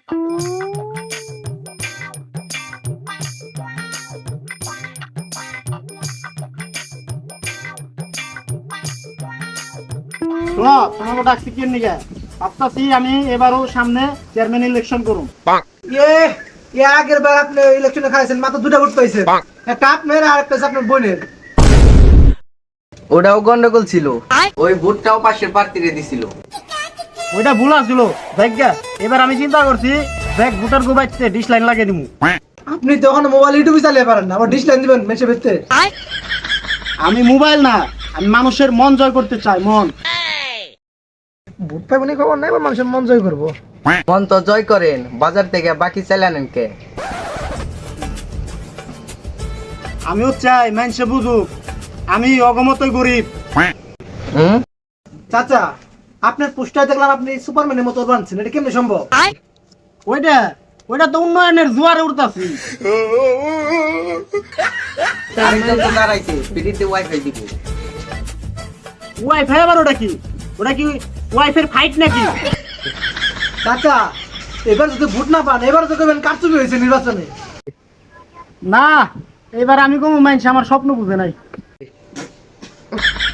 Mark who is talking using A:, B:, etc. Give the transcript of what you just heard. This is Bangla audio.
A: শোনো, তোমাকে ডাকছি কি নিকে? ভাবতাছি আমি এবারও সামনে চেয়ারম্যান ইলেকশন করুম।
B: আগের বার আপনি ইলেকশনে খাইছেন, মাত্র 2টা ভোট পাইছেন, একটা আপনার আর একটা আপনার বোনের।
C: ওটাও গন্ডগোল ছিল, ওই ভোটটাও পাশের প্রার্থীরে দিছিল।
A: ওইটা ভুল আসছিল। দেখ গা, এবার আমি চিন্তা করছি দেখ ভোটার গোবাইতে ডিশ লাইন লাগিয়ে দিমু।
B: আপনি তো এখন মোবাইল ইউটিউবে চালিয়ে পারেন না, আবার ডিশ লাইন দিবেন মেসে ভেতরে।
A: আমি মোবাইল না, আমি মানুষের মন জয় করতে চাই। মন
B: ভোট পাইবেন খবর নাই, মানুষের মন জয় করবো।
C: মন তো জয় করেন, বাজার থেকে বাকি চালানেন কে?
A: আমিও চাই মানুষে বুঝুক আমি অগমতই গরিব।
B: চাচা, আপনার পোস্টার দেখলাম আপনি সুপারম্যানের মতো বানছেন, এটা কেমনে সম্ভব?
A: ওইটা ওইটা তো উন্নয়নের জোয়ারে উঠতাছি।
C: আরেকজন তো দাঁড়াইছে, ফ্রিতে ওয়াইফাই দিব।
A: ওয়াইফাই আবার ওটা কি? ওটা কি ওয়াইফাই ফাইট নাকি?
B: চাচা, এবার যদি ভোট না পান, এবার তো কেবেন কারচুপি হয়েছে নির্বাচনে।
A: না, এবার আমি কোনো মানুষ আমার স্বপ্ন বুঝে নাই।